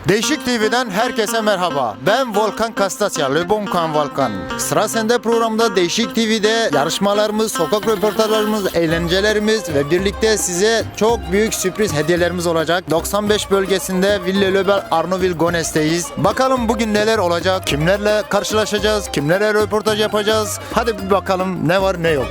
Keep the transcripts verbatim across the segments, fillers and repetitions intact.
Değişik T V'den herkese merhaba. Ben Volkan Kastasya, Le Bonkan Volkan. Sıra sende programda Değişik T V'de yarışmalarımız, sokak röportajlarımız, eğlencelerimiz ve birlikte size çok büyük sürpriz hediyelerimiz olacak. doksan beş bölgesinde Ville Löbel Arnoville Gones'teyiz. Bakalım bugün neler olacak, kimlerle karşılaşacağız, kimlerle röportaj yapacağız. Hadi bir bakalım ne var ne yok.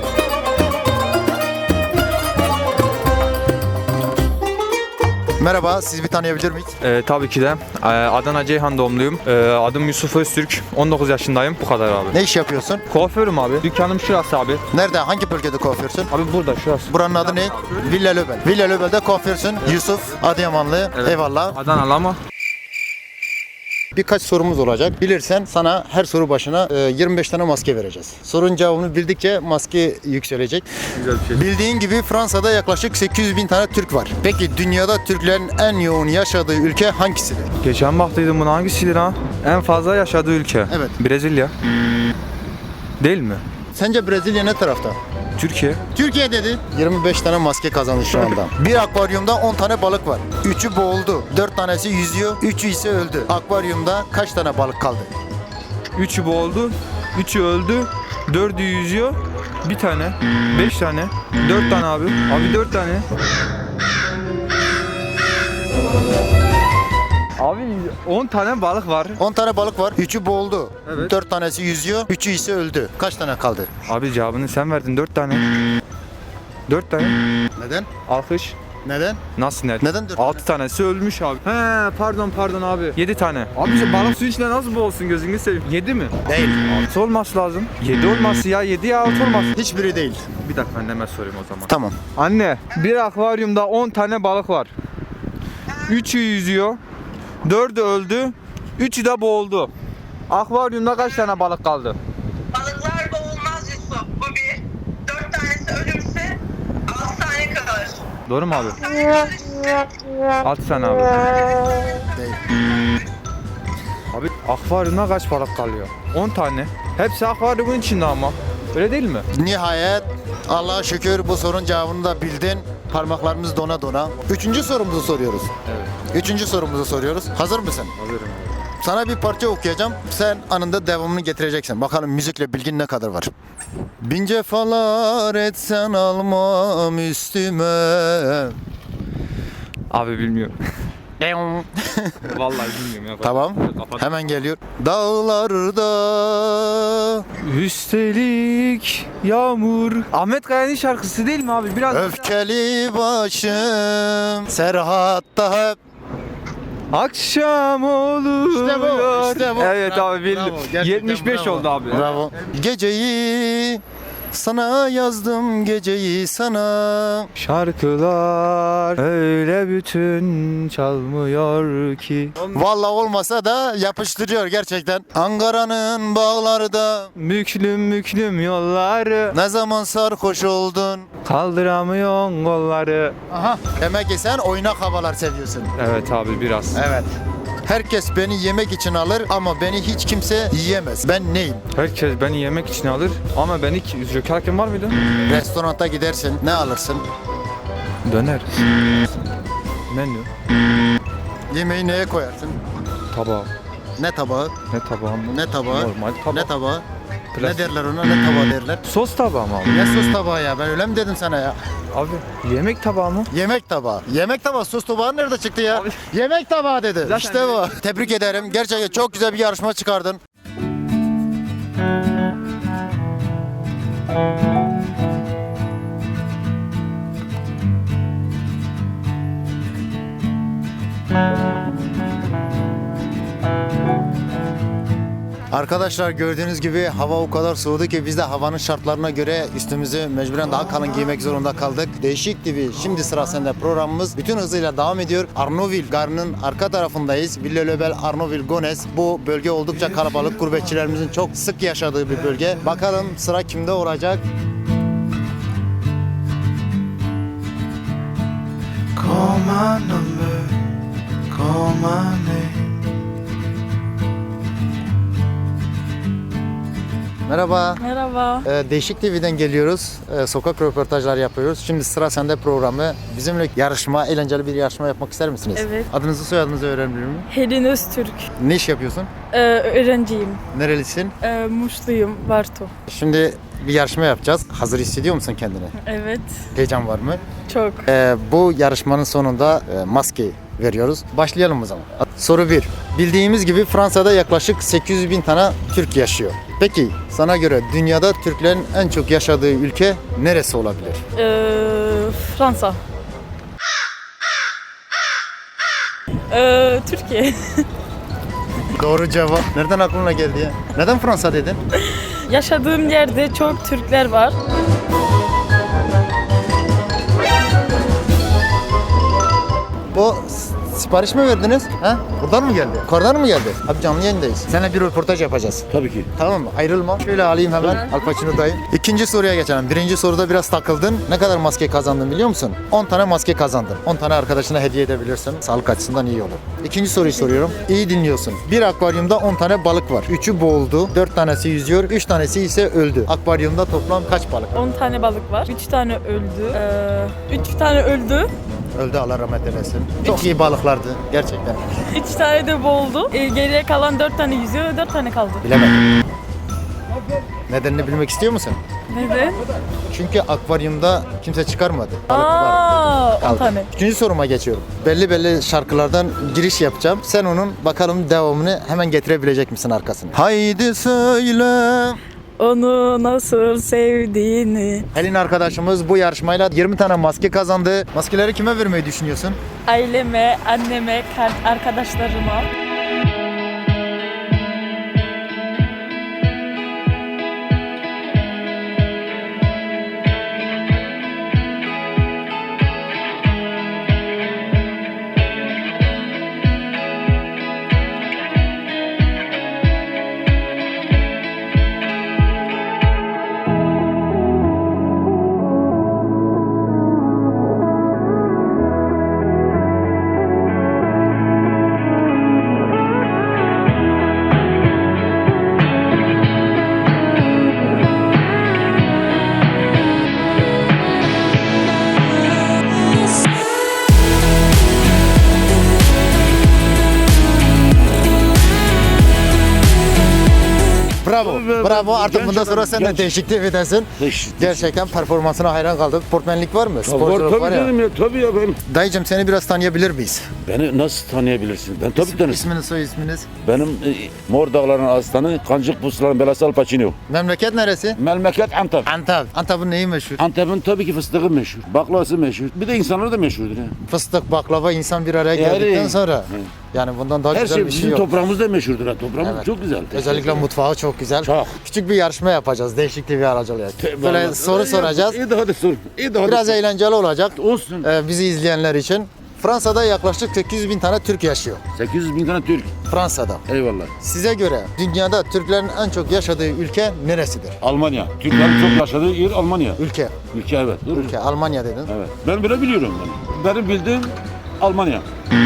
Merhaba, sizi bir tanıyabilir miyiz? Ee, tabii ki de. Ee, Adana Ceyhan doğumluyum. Ee, adım Yusuf Öztürk. on dokuz yaşındayım. Bu kadar abi. Ne iş yapıyorsun? Kuaförüm abi. Dükkanım şurası abi. Nerede, hangi bölgede kuaförsün? Abi burada şurası. Buranın adı ne? Villa Löbel. Villa Löbel'de kuaförsün. Yusuf, Adıyamanlı. Evet. Eyvallah. Adanalı ama. Birkaç sorumuz olacak. Bilirsen sana her soru başına e, yirmi beş tane maske vereceğiz. Sorunun cevabını bildikçe maske yükselecek. Güzel bir şey. Bildiğin gibi Fransa'da yaklaşık sekiz yüz bin tane Türk var. Peki dünyada Türklerin en yoğun yaşadığı ülke hangisidir? Geçen baktıydım buna, hangisidir ha? En fazla yaşadığı ülke. Evet. Brezilya. Değil mi? Sence Brezilya ne tarafta? Türkiye. Türkiye dedi. yirmi beş tane maske kazandı şu anda. Bir akvaryumda on tane balık var. üçü boğuldu. dört tanesi yüzüyor. üçü ise öldü. Akvaryumda kaç tane balık kaldı? Üçü boğuldu. Üçü öldü. Dördü yüzüyor. Bir tane. Beş tane. Dört tane abi. Abi dört tane. Abi on tane balık var. on tane balık var. üçü boğuldu. Evet. dört tanesi yüzüyor. üçü ise öldü. Kaç tane kaldı? Abi cevabını sen verdin. Dört tane. Dört tane. Neden? Alkış. Neden? Nasıl net? Neden dört Altı tanesi ölmüş abi. He pardon pardon abi. Yedi tane. Abi şu balık suyun içinde nasıl boğulsun, gözünü seveyim. Yedi mi? Değil. Altı olması lazım. Yedi olması ya. Yedi ya altı olması. Hiçbiri değil. Bir dakika anneme sorayım o zaman. Tamam. Anne, bir akvaryumda on tane balık var. Üçü yüzüyor. Dördü öldü. Üçü de boğuldu. Akvaryumda kaç tane balık kaldı? Balıklar boğulmaz Yusuf. Bu bir. Dört tanesi ölürse altı tane kalır. Doğru mu abi? Altı tane kalırsa Altı tane abi. Değil. Abi akvaryumda kaç balık kalıyor? on tane. Hepsi akvaryumun içinde ama. Öyle değil mi? Nihayet Allah'a şükür bu sorunun cevabını da bildin. Parmaklarımız dona dona. Üçüncü sorumuzu soruyoruz. Evet. Üçüncü sorumuzu soruyoruz. Hazır mısın? Hazırım. Sana bir parça okuyacağım. Sen anında devamını getireceksin. Bakalım müzikle bilgin ne kadar var. Bin cefalar etsen almam üstüme. Abi bilmiyorum. Vallahi bilmiyorum ya. Tamam. Kapat. Hemen geliyor. Dağlarda. Üstelik yağmur. Ahmet Kaya'nın şarkısı değil mi abi? Biraz Öfkeli başım Serhat'ta hep. akşam oluyor. İşte bu, işte bu. Evet Bravo, abi bildim. bravo. Gerçekten yetmiş beş bravo. oldu abi. Bravo. Geceyi sana yazdım, geceyi sana. Şarkılar öyle bütün çalmıyor ki. Vallahi olmasa da yapıştırıyor gerçekten. Ankara'nın bağlarda Müklüm müklüm yolları, ne zaman sarhoş oldun? kaldıramıyorsun kolları. Aha. Demek ki sen oynak havalar seviyorsun. Evet abi biraz. Evet. Herkes beni yemek için alır ama beni hiç kimse yiyemez. Ben neyim? Herkes beni yemek için alır ama beni Joker hakem var mıydı? Restoranta gidersin, ne alırsın? Döner. Menü. Yemeği neye koyarsın? Tabağı. Ne tabağı? Ne tabağı mı? Ne tabağı? Normal tabağı. Ne tabağı? Ne Plastik. derler ona? Ne tabağı derler? Sos tabağı mı abi? Ne sos tabağı ya? Ben öyle mi dedim sana ya? Abi yemek tabağı mı? Yemek tabağı. Yemek tabağı. Sos tabağı nerede çıktı ya? Abi- Yemek tabağı dedi. Zaten işte bu. Tebrik ederim. Gerçekten çok güzel bir yarışma çıkardın. Arkadaşlar gördüğünüz gibi hava o kadar soğudu ki biz de havanın şartlarına göre üstümüzü mecburen daha kalın giymek zorunda kaldık. Değişik T V şimdi sıra sende programımız bütün hızıyla devam ediyor. Arnoville Garı'nın arka tarafındayız. Ville Löbel Arnoville Gones. Bu bölge oldukça kalabalık. Gurbetçilerimizin çok sık yaşadığı bir bölge. Bakalım sıra kimde olacak? Call my number, call my name. Merhaba. Merhaba. Ee, Değişik T V'den geliyoruz. Ee, sokak röportajları yapıyoruz. Şimdi sıra sende programı. Bizimle yarışma, eğlenceli bir yarışma yapmak ister misiniz? Evet. Adınızı soyadınızı öğrenebilir miyim? Helin Öztürk. Ne iş yapıyorsun? Ee, öğrenciyim. Nerelisin? Ee, Muşluyum. Varto. Şimdi bir yarışma yapacağız. Hazır hissediyor musun kendini? Evet. Heyecan var mı? Çok. Ee, bu yarışmanın sonunda e, maske veriyoruz. Başlayalım o zaman. Soru bir. Bildiğimiz gibi Fransa'da yaklaşık sekiz yüz bin tane Türk yaşıyor. Peki sana göre dünyada Türklerin en çok yaşadığı ülke neresi olabilir? Ee, Fransa. Ee, Türkiye. Doğru cevap. Nereden aklına geldi ya? Neden Fransa dedin? Yaşadığım yerde çok Türkler var. O s- sipariş mi verdiniz? Ha? Buradan mı geldi? Yukarıdan mı geldi? Abi canlı yayındayız. Seninle bir röportaj yapacağız. Tabii ki. Tamam mı? Ayrılma. Şöyle alayım hemen. Al Pacino dayı. İkinci soruya geçelim. Birinci soruda biraz takıldın. Ne kadar maske kazandın biliyor musun? on tane maske kazandın. on tane arkadaşına hediye edebilirsin. Sağlık açısından iyi olur. İkinci soruyu soruyorum. İyi dinliyorsun. Bir akvaryumda on tane balık var. üçü boğuldu. dört tanesi yüzüyor. üç tanesi ise öldü. Akvaryumda toplam kaç balık var? on tane balık var. üç tane öldü. Ee, üç tane öldü. Öldü, Allah rahmet eylesin. Çok iyi balıklardı gerçekten. üç tane de boğuldu. Ee, geriye kalan dört tane yüzüyor. dört tane kaldı. Bilemedim. Nedenini bilmek istiyor musun? Neden? Çünkü akvaryumda kimse çıkarmadı. Balık var. Aa, on Kaldı. tane. Üçüncü soruma geçiyorum. Belli belli şarkılardan giriş yapacağım. Sen onun bakalım devamını hemen getirebilecek misin arkasını? Haydi söyle. Onu nasıl sevdiğini. Helin arkadaşımız bu yarışmayla yirmi tane maske kazandı. Maskeleri kime vermeyi düşünüyorsun? Aileme, anneme, kar- arkadaşlarıma. Bravo. Tabii, Bravo. ben- Artık genç bundan sonra adam, sen de genç. değişik T V'desin. Değişik. Gerçekten performansına hayran kaldık. Sportmenlik var mı? Var, Sporculuk tabii var ya. canım ya. Tabii ya ben. Dayıcım seni biraz tanıyabilir miyiz? Beni nasıl tanıyabilirsin? Ben tabii tanırsın. İsminiz, soy isminiz. Benim e, Mor Dağları'nın aslanı, Kancık Pusların belası Al Pacino. Memleket neresi? Memleket Antep. Antep. Antep'in neyi meşhur? Antep'in tabii ki fıstığı meşhur. Baklavası meşhur. Bir de insanları da meşhurdur ya. Fıstık, baklava insan bir araya Yani- geldikten sonra. Hı. Yani bundan daha Her güzel şey bir şey bizim yok. toprağımız da meşhurdur ha. Toprağımız Evet. çok güzel. Özellikle mutfağı çok güzel. Çok. Küçük bir yarışma yapacağız Değişik T V aracılığıyla. Böyle Vallahi- soru İyi, soracağız. İyi de hadi sor. İyi de hadi Biraz sor. eğlenceli olacak. Olsun. Ee, bizi izleyenler için. Fransa'da yaklaşık sekiz yüz bin tane Türk yaşıyor. sekiz yüz bin tane Türk. Fransa'da. Eyvallah. Size göre dünyada Türklerin en çok yaşadığı ülke neresidir? Almanya. Türklerin çok yaşadığı yer Almanya. Ülke. Ülke evet. Dur. Ülke. Almanya dedin. Evet. Ben böyle biliyorum ben. Benim bildiğim Almanya.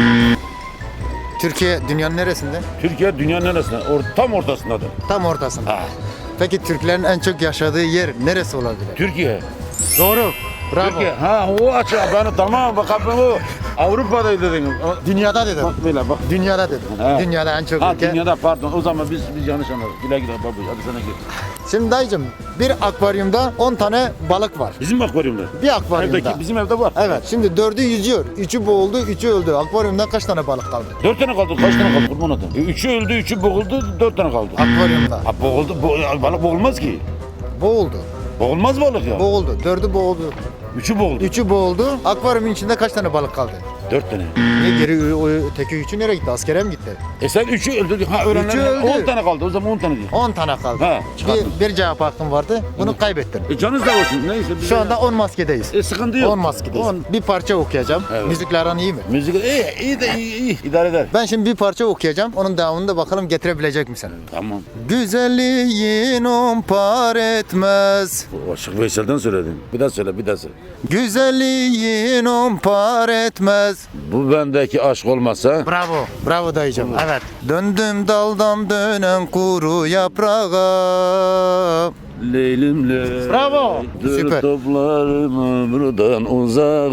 Türkiye dünyanın neresinde? Türkiye dünyanın neresinde? Or tam ortasındadır. Tam ortasında. Ha. Peki Türklerin en çok yaşadığı yer neresi olabilir? Türkiye. Doğru. Bravo. Türkiye. Ha o açı. Ben tamam bak ben o Avrupa'da dedim. O- Dünyada dedim. Bak böyle bak. Dünyada dedim. Ha. Dünyada en çok Ha ülke. dünyada pardon. O zaman biz biz yanlış anladık. Güle güle babu. Hadi sana git. Şimdi dayıcım bir akvaryumda on tane balık var. Bizim akvaryumda. Bir akvaryumda. Evdeki bizim evde var. Evet. Şimdi dördü yüzüyor. Üçü boğuldu, üçü öldü. Akvaryumda kaç tane balık kaldı? Dört tane kaldı. Kaç tane kaldı kurban adam? E, üçü öldü, üçü boğuldu, dört tane kaldı. Akvaryumda. Ha boğuldu. Bo balık boğulmaz ki. Boğuldu. Boğulmaz balık ya. Boğuldu. Dördü boğuldu. Üçü boğuldu. Üçü boğuldu. Akvaryumun içinde kaç tane balık kaldı? Dört tane. Niye geri o öteki üçü nereye gitti? Askere mi gitti? E sen üçü öldü. Ha öğrenler. Üçü öldü. On tane kaldı. O zaman on tane diyor. on tane kaldı. Ha, çıkardım. bir, bir cevap hakkın vardı. Bunu kaybettin. E canınız da olsun. Neyse. biz- Şu anda on maskedeyiz. E sıkıntı yok. on maskedeyiz. On. Bir parça okuyacağım. Evet. Müzikle aran iyi mi? Müzik iyi, iyi de iyi, iyi. İdare eder. Ben şimdi bir parça okuyacağım. Onun devamını da bakalım getirebilecek misin? Tamam. Güzelliğin on par etmez. O Aşık Veysel'den söyledin. Bir daha söyle, bir daha söyle. Güzelliğin on par etmez. misiniz? Bu bendeki aşk olmasa Bravo. Bravo dayıcım. Evet. Döndüm daldan dönen kuru yaprağa. Leylim ley. Bravo. Süper. Toplarım buradan uzağa.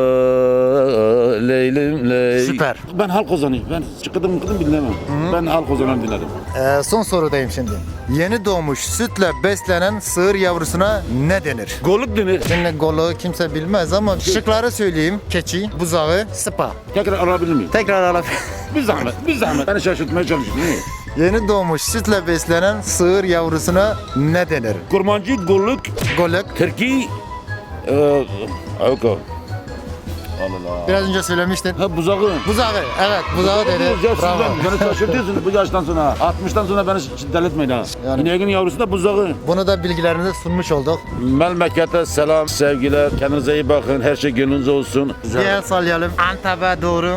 Leylim ley. Süper. Ben halk ozanıyım. Ben çıkıdım mıkıdım bilemem. Ben halk ozanı dinlerim. Ee, son sorudayım şimdi. Yeni doğmuş sütle beslenen sığır yavrusuna ne denir? Goluk denir. Şimdi golu kimse bilmez ama şıkları söyleyeyim. Keçi, buzağı, sıpa. Tekrar alabilir miyim? Tekrar alabilir. Bir zahmet, bir zahmet. Beni şaşırtmaya çalışıyorsun değil mi? Yeni doğmuş sütle beslenen sığır yavrusuna ne denir? Kurmancı, goluk, Goluk. Türkiye, eee, Avko. Allah Allah. Biraz önce söylemiştin. Ha buzağı. Buzağı. Evet, buzağı dedi. Ya Bravo. sizden beni şaşırtıyorsunuz bu yaştan sonra. altmıştan sonra beni şiddet ha. Yani- İneğin yavrusu da buzağı. Bunu da bilgilerinizi sunmuş olduk. Memlekete selam, sevgiler. Kendinize iyi bakın. Her şey gönlünüzde olsun. Bir el sallayalım. Antep'e doğru.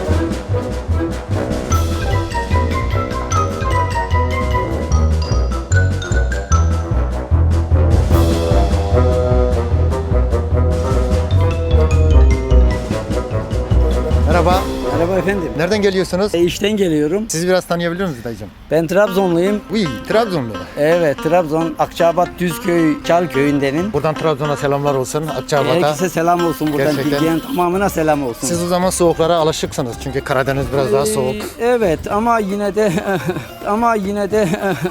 Merhaba. Merhaba efendim. Nereden geliyorsunuz? E, işten geliyorum. Sizi biraz tanıyabilir miyiz dayıcım? Ben Trabzonluyum. Uy, Trabzonlu. Evet, Trabzon, Akçaabat, Düzköy, Çal köyündenim. Buradan Trabzon'a selamlar olsun. Akçabat'a. Herkese selam olsun buradan. Gerçekten. Bilgiyen tamamına selam olsun. Siz o zaman soğuklara alışıksınız çünkü Karadeniz biraz daha Ee, soğuk. Evet ama yine de ama yine de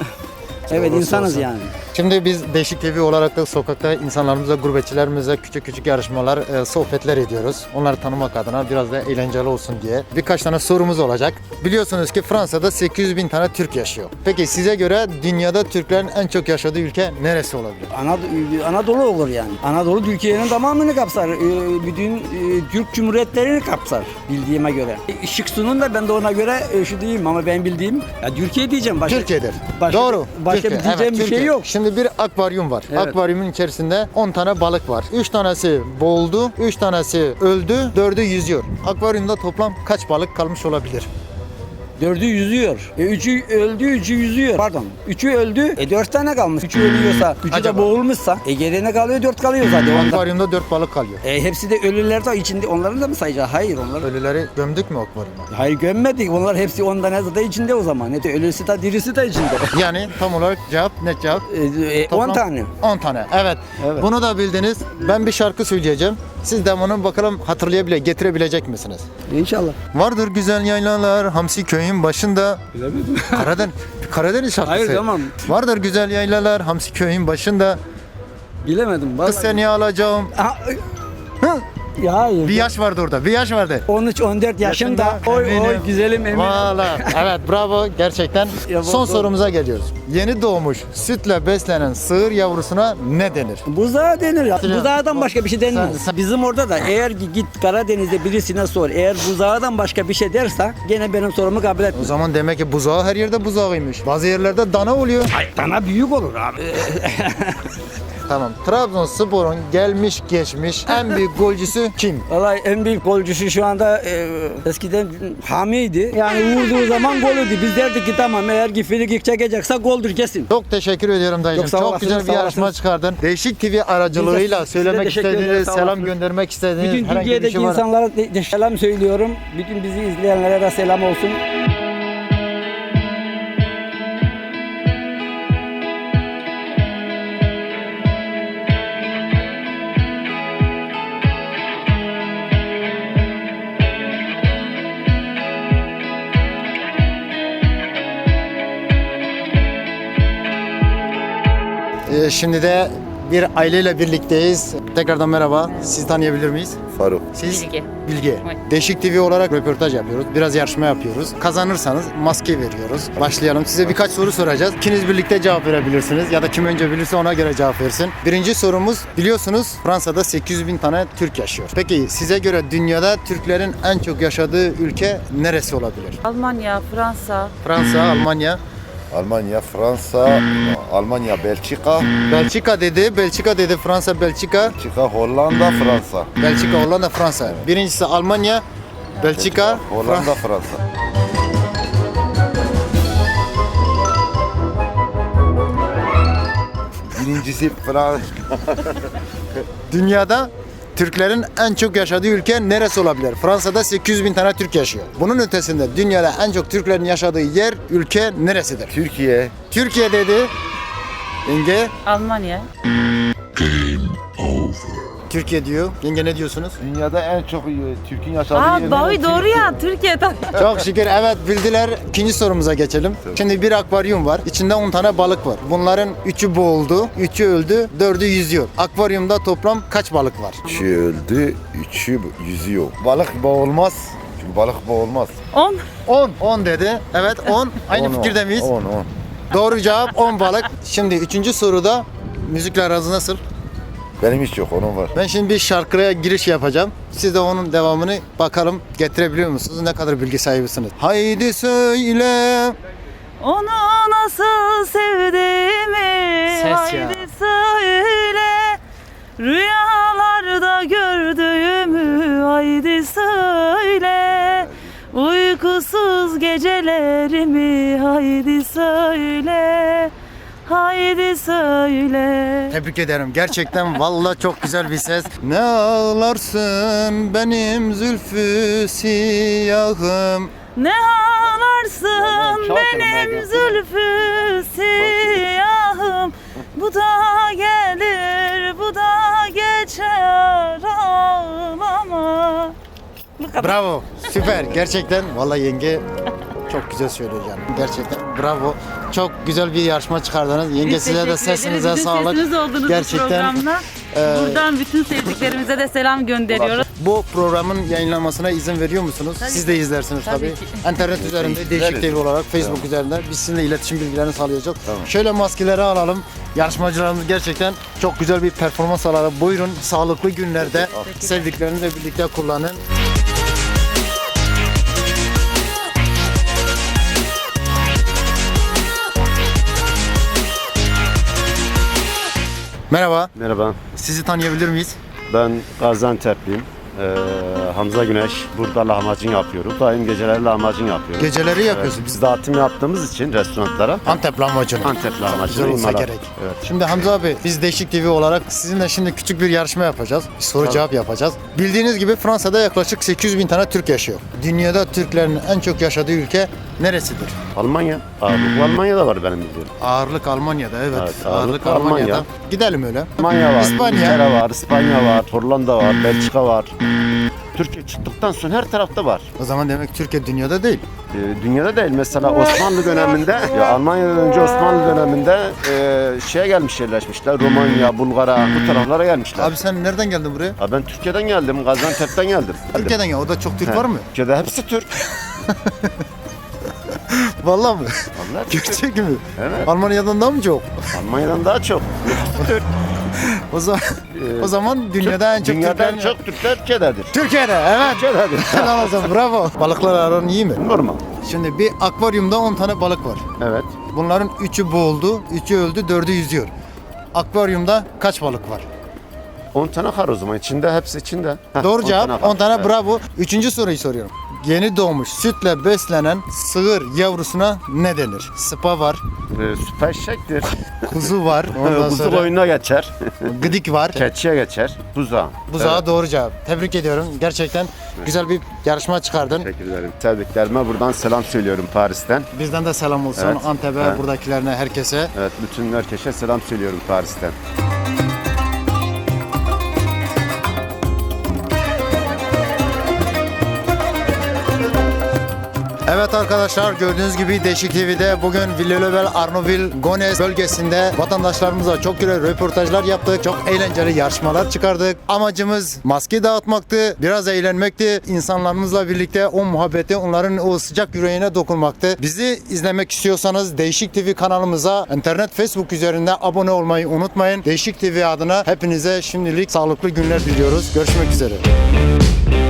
evet Olursa insanız olsun. yani. Şimdi biz Değişik T V olarak da sokakta insanlarımızla, gurbetçilerimizle küçük küçük yarışmalar, e, sohbetler ediyoruz. Onları tanımak adına biraz da eğlenceli olsun diye. Birkaç tane sorumuz olacak. Biliyorsunuz ki Fransa'da sekiz yüz bin tane Türk yaşıyor. Peki size göre dünyada Türklerin en çok yaşadığı ülke neresi olabilir? Anadolu, Anadolu olur yani. Anadolu Türkiye'nin tamamını kapsar. Ee, Bütün e, Türk Cumhuriyetlerini kapsar bildiğime göre. E, Şık sunun da ben de ona göre e, şu diyeyim ama ben bildiğim ya Türkiye diyeceğim. Başka, Türkiye'dir. Başka, Doğru. Başka Türkiye. bir diyeceğim Evet, bir Türkiye. şey yok. Şimdi bir akvaryum var. Evet. Akvaryumun içerisinde on tane balık var. üç tanesi boğuldu, üç tanesi öldü, dördü yüzüyor. Akvaryumda toplam kaç balık kalmış olabilir? Dördü yüzüyor. E, üçü öldü, üçü yüzüyor. Pardon. Üçü öldü. E dört tane kalmış. Üçü ölüyorsa, üçü Acaba? de boğulmuşsa. E geriye ne kalıyor? Dört kalıyor zaten. Onda. Akvaryumda dört balık kalıyor. E hepsi de ölüler de içinde. Onların da mı sayacağız? Hayır onlar. Ölüleri gömdük mü akvaryuma? Hayır gömmedik. Onlar hepsi on tane de içinde o zaman. Ne de ölüsü de dirisi de içinde. Yani tam olarak cevap ne cevap? E, e, Toplam on tane. on tane. Evet. Evet. Bunu da bildiniz. Ben bir şarkı söyleyeceğim. Siz de bunu bakalım hatırlayabile getirebilecek misiniz? İnşallah. Vardır güzel yaylalar Hamsi köyün başında. Bilemedim. Karadeniz, Karadeniz şarkısı. Hayır, tamam. Vardır güzel yaylalar Hamsi köyün başında. Bilemedim. Kız Vallahi. seni alacağım. Aha, Hı? ya hayır. Bir yaş vardı orada. Bir yaş vardı. on üç on dört yaşında. Yaşında, Oy oy eminim. güzelim eminim. Valla. Evet bravo gerçekten. Ya, Son bu- sorumuza geliyoruz. Yeni doğmuş sütle beslenen sığır yavrusuna ne denir? Buzağı denir ya. Hatırlıyorum. Buzağıdan başka bir şey denmez. Sen- sen- Bizim orada da eğer ki git Karadeniz'de birisine sor. Eğer buzağıdan başka bir şey derse gene benim sorumu kabul O etmez. zaman demek ki buzağı her yerde buzağıymış. Bazı yerlerde dana oluyor. Ay, dana büyük olur abi. Tamam. Trabzonspor'un gelmiş geçmiş en büyük golcüsü kim? Vallahi en büyük golcüsü şu anda e, eskiden Hami'ydi. Yani vurduğu zaman golüydü. Biz derdik ki tamam eğer ki frikik çekecekse goldür kesin. Çok teşekkür ediyorum dayıcım. Yok, sağ Çok olasınız, güzel bir sağ yarışma olasınız. çıkardın. Değişik T V aracılığıyla Biz de size söylemek teşekkür ederiz, istediğiniz, sağ selam olasınız. göndermek istediğiniz Bütün herhangi bir Türkiye'deki şey var. insanlara de, de selam söylüyorum. Bütün bizi izleyenlere de selam olsun. Ee, şimdi de bir aileyle birlikteyiz. Tekrardan merhaba. Sizi tanıyabilir miyiz? Faruk. Siz? Bilge. Bilge. Değişik T V olarak röportaj yapıyoruz. Biraz yarışma yapıyoruz. Kazanırsanız maske veriyoruz. Başlayalım. Size birkaç soru soracağız. İkiniz birlikte cevap verebilirsiniz. Ya da kim önce bilirse ona göre cevap versin. Birinci sorumuz, biliyorsunuz Fransa'da sekiz yüz bin tane Türk yaşıyor. Peki size göre dünyada Türklerin en çok yaşadığı ülke neresi olabilir? Almanya, Fransa, Fransa, Almanya, Almanya, Fransa, Almanya, Belçika, Belçika dedi, Belçika dedi, Fransa, Belçika, Belçika, Hollanda, Fransa. Belçika, Hollanda, Fransa. Birincisi Almanya, Belçika, Hollanda, Fransa. Birincisi Fransa. Dünyada Türklerin en çok yaşadığı ülke neresi olabilir? Fransa'da sekiz yüz bin tane Türk yaşıyor. Bunun ötesinde dünyada en çok Türklerin yaşadığı yer, ülke neresidir? Türkiye. Türkiye dedi. Yenge Almanya. Türkiye diyor. Yenge ne diyorsunuz? Dünyada en çok e, Türk'ün yaşadığı Aa yer doğru neresi? doğru ya Türkiye tabii. Çok şükür evet bildiler. İkinci sorumuza geçelim. Şimdi bir akvaryum var. İçinde on tane balık var. Bunların üçü boğuldu, üçü öldü, dördü yüzüyor. Akvaryumda toplam kaç balık var? Üçü öldü, üçü yüzüyor. Balık boğulmaz. Çünkü balık boğulmaz. on. on. on dedi. Evet on. Aynı On, on. fikirde miyiz? on, on. Doğru cevap on balık. Şimdi üçüncü soruda müzikle aranız nasıl? Benim hiç yok, onun var. Ben şimdi bir şarkıya giriş yapacağım. Siz de onun devamını bakalım getirebiliyor musunuz? Ne kadar bilgi sahibisiniz? Haydi söyle. Onu nasıl sevdiğimi Ses ya. haydi söyle. Rüyalarda gördüğümü haydi söyle. Uykusuz gecelerimi haydi söyle. Haydi söyle. Tebrik ederim. Gerçekten vallahi çok güzel bir ses. Ne ağlarsın benim zülfü siyahım. Ne ağlarsın Çalkın benim Megan. zülfü siyahım. Bu da gelir, bu da geçer, ağlama. Bu kadar. Bravo. Süper. Gerçekten vallahi yenge çok güzel söylüyor canım. Gerçekten bravo. Çok güzel bir yarışma çıkardınız. Yenge Biz size de teşekkür ederiz. sesinize Bizim sağlık. sesiniz oldunuz bu Gerçekten programda. e, Buradan bütün sevdiklerimize de selam gönderiyoruz. bu programın yayınlanmasına izin veriyor musunuz? Tabii Siz ki. de izlersiniz tabii. Tabii ki. İnternet üzerinde Değişik T V olarak Facebook üzerinden biz sizinle iletişim bilgilerini sağlayacağız. Şöyle maskeleri alalım. Yarışmacılarımız gerçekten çok güzel bir performans sağladı. Buyurun sağlıklı günlerde sevdiklerinizle birlikte kullanın. Merhaba. Merhaba, Sizi tanıyabilir miyiz? ben Gaziantep'liyim. Ee, Hamza Güneş, burada lahmacun yapıyorum. Daim geceleri lahmacun yapıyorum. Geceleri yapıyorsunuz. Biz dağıtım yaptığımız için restoranlara Antep lahmacunu. Antep Güzel lahmacunu olsa imala- gerek. Evet. Şimdi Hamza abi biz Değişik T V olarak sizinle şimdi küçük bir yarışma yapacağız. Bir soru Tabii. cevap yapacağız. Bildiğiniz gibi Fransa'da yaklaşık sekiz yüz bin tane Türk yaşıyor. Dünyada Türklerin en çok yaşadığı ülke neresidir? Almanya, ağırlıklı Almanya'da var benim bildiğim. Ağırlık Almanya'da evet. Evet, ağırlık, ağırlık Almanya'da. Almanya. Gidelim öyle. Almanya var, İspanya. İngiltere var, İspanya var, Hollanda var, Belçika var. Türkiye çıktıktan sonra her tarafta var. O zaman demek Türkiye dünyada değil. Ee, dünyada değil, mesela Osmanlı döneminde, ya Almanya'dan önce Osmanlı döneminde e, şeye gelmiş, yerleşmişler. Romanya, Bulgara, bu taraflara gelmişler. Abi sen nereden geldin buraya? Ha, ben Türkiye'den geldim, Gaziantep'ten geldim. Türkiye'den ya. Orada çok Türk He. var mı? Türkiye'de hepsi Türk. Vallahi mı? Vallahi Türk. Gerçek mi? Evet. Almanya'dan daha mı çok? Almanya'dan daha çok. Türk. O zaman o zaman dünyada en çok Dünyada en Türklerin- çok Türkler Türkiye'dedir. Türkiye'de evet. Türkiye'dedir. Helal olsun bravo. Balıklar aran iyi mi? Normal. Şimdi bir akvaryumda on tane balık var. Evet. Bunların üçü boğuldu, üçü öldü, dördü yüzüyor. Akvaryumda kaç balık var? on tane kar o zaman. İçinde, hepsi içinde. Heh, Doğru on cevap kar. on tane Evet. bravo. Üçüncü soruyu soruyorum. Yeni doğmuş sütle beslenen sığır yavrusuna ne denir? Sıpa var, Ee, süper eşektir. kuzu var, ondan Kuzu sonra oyununa geçer. gıdik var. Keçiye geçer. Buzağı. Buzağı Evet. doğru cevap. Tebrik ediyorum. Gerçekten güzel bir yarışma çıkardın. Teşekkür ederim. Sevdiklerime buradan selam söylüyorum Paris'ten. Bizden de selam olsun Evet. Antep'e, Evet. buradakilerine, herkese. Evet, bütün herkese selam söylüyorum Paris'ten. Evet arkadaşlar gördüğünüz gibi Değişik T V'de bugün Villelövel, Arnoville, Gones bölgesinde vatandaşlarımıza çok güzel röportajlar yaptık. Çok eğlenceli yarışmalar çıkardık. Amacımız maske dağıtmaktı, biraz eğlenmekti. İnsanlarımızla birlikte o muhabbeti, onların o sıcak yüreğine dokunmaktı. Bizi izlemek istiyorsanız Değişik T V kanalımıza internet Facebook üzerinde abone olmayı unutmayın. Değişik T V adına hepinize şimdilik sağlıklı günler diliyoruz. Görüşmek üzere.